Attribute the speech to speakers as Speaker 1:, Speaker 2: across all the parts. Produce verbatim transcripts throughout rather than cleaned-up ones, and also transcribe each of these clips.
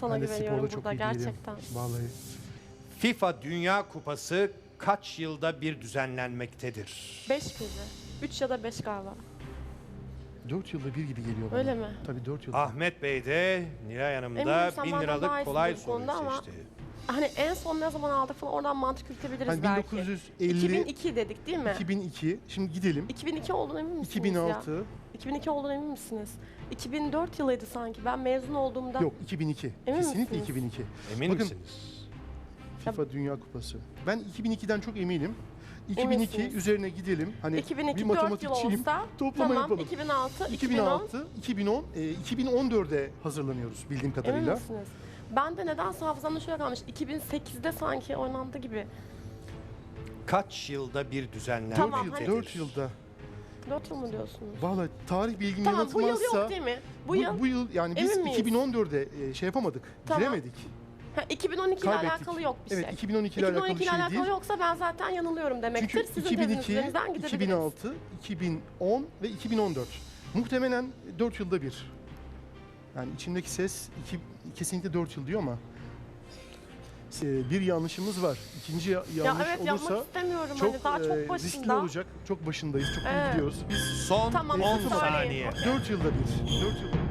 Speaker 1: sana
Speaker 2: Ben de
Speaker 1: güveniyorum
Speaker 2: sporda çok
Speaker 1: burada
Speaker 2: iyi değilim.
Speaker 1: gerçekten.
Speaker 2: Vallahi.
Speaker 3: FIFA Dünya Kupası kaç yılda bir düzenlenmektedir?
Speaker 1: Beş miydi? Üç ya da beş galiba.
Speaker 2: Dört yılda bir gibi geliyor bana.
Speaker 1: Öyle mi?
Speaker 2: Tabii dört yılda.
Speaker 3: Ahmet Bey de Nilay Hanım
Speaker 1: Eminim
Speaker 3: da
Speaker 1: sen
Speaker 3: bin
Speaker 1: benden daha
Speaker 3: liralık
Speaker 1: iyisin
Speaker 3: kolay
Speaker 1: bu
Speaker 3: soruyu
Speaker 1: konuda ama-
Speaker 3: seçti.
Speaker 1: Hani en son ne zaman aldık falan oradan mantık yürütebiliriz
Speaker 2: Hani
Speaker 1: belki.
Speaker 2: bin dokuz yüz elli,
Speaker 1: iki bin iki dedik değil mi?
Speaker 2: iki bin iki. Şimdi gidelim.
Speaker 1: iki bin iki olduğuna emin misiniz
Speaker 2: iki bin
Speaker 1: ya?
Speaker 2: altı.
Speaker 1: iki bin iki olduğuna emin misiniz? iki bin dört yılıydı sanki. Ben mezun olduğumda...
Speaker 2: Yok iki bin iki.
Speaker 1: Emin
Speaker 2: Kesinlikle
Speaker 1: misiniz?
Speaker 2: iki bin iki.
Speaker 3: Emin
Speaker 2: Bakın,
Speaker 3: misiniz?
Speaker 2: FIFA Dünya Kupası. Ben iki bin ikiden çok eminim. iki bin iki
Speaker 1: Eminsiniz.
Speaker 2: üzerine gidelim. Hani
Speaker 1: iki bin
Speaker 2: bir
Speaker 1: iki dört yıl
Speaker 2: matematikçiyim.
Speaker 1: olsa
Speaker 2: Toplama
Speaker 1: tamam
Speaker 2: yapalım.
Speaker 1: iki bin altı,
Speaker 2: iki
Speaker 1: iki
Speaker 2: bin
Speaker 1: bin on.
Speaker 2: altı, iki bin on, e, iki bin on dörde hazırlanıyoruz bildiğim
Speaker 1: Emin
Speaker 2: kadarıyla.
Speaker 1: misiniz? Ben de nedense hafızamda şöyle kalmış. iki bin sekizde sanki oynandı gibi.
Speaker 3: Kaç yılda bir düzenlenmektedir?
Speaker 1: Tamam,
Speaker 2: Dört
Speaker 1: hani-
Speaker 2: yıl, dört yılda.
Speaker 1: dört yıl mı diyorsunuz?
Speaker 2: Vallahi tarih bilgim
Speaker 1: Tamam bu yıl
Speaker 2: yanıltmazsa
Speaker 1: yok değil mi? Bu,
Speaker 2: bu,
Speaker 1: yıl.
Speaker 2: bu yıl yani biz
Speaker 1: Emin miyiz?
Speaker 2: iki bin on dörde e, şey yapamadık.
Speaker 1: Tamam.
Speaker 2: Giremedik.
Speaker 1: Ha, iki bin on iki ile
Speaker 2: Kaybettik.
Speaker 1: alakalı yok bir
Speaker 2: Evet
Speaker 1: şey.
Speaker 2: iki bin on iki ile
Speaker 1: iki bin on
Speaker 2: alakalı
Speaker 1: iki
Speaker 2: bir
Speaker 1: ile
Speaker 2: şey
Speaker 1: alakalı
Speaker 2: değil.
Speaker 1: yoksa ben zaten yanılıyorum demektir.
Speaker 2: Çünkü
Speaker 1: Sizin
Speaker 2: iki bin iki,
Speaker 1: tezlerinizden
Speaker 2: iki
Speaker 1: gidebiliriz.
Speaker 2: bin altı, iki bin on ve iki bin on dört. Muhtemelen dört yılda bir. Yani içimdeki ses iki, kesinlikle dört yıl diyor ama e, bir yanlışımız var. İkinci ya-
Speaker 1: Ya
Speaker 2: yanlış
Speaker 1: evet yapmak
Speaker 2: olursa
Speaker 1: istemiyorum
Speaker 2: çok,
Speaker 1: hani daha
Speaker 2: e,
Speaker 1: çok
Speaker 2: riskli
Speaker 1: başında.
Speaker 2: olacak. Çok başındayız. Çok iyi
Speaker 1: Evet.
Speaker 2: gidiyoruz. Biz
Speaker 3: Son
Speaker 1: Tamam,
Speaker 3: on
Speaker 1: siz söyleyin.
Speaker 3: saniye.
Speaker 2: dört yılda bir. dört yılda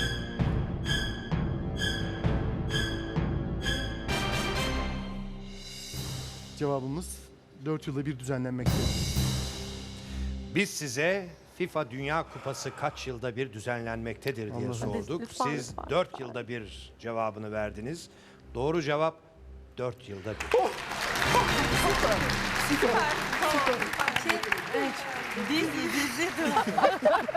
Speaker 2: Cevabımız dört yılda bir düzenlenmekte.
Speaker 3: Biz size FIFA Dünya Kupası kaç yılda bir düzenlenmektedir diye
Speaker 2: Allah'ım.
Speaker 3: sorduk.
Speaker 1: Lütfen,
Speaker 3: Siz
Speaker 1: lütfen,
Speaker 3: dört
Speaker 1: lütfen.
Speaker 3: yılda bir cevabını verdiniz. Doğru cevap dört yılda bir.
Speaker 4: Şey, üç. Dizi, dizi.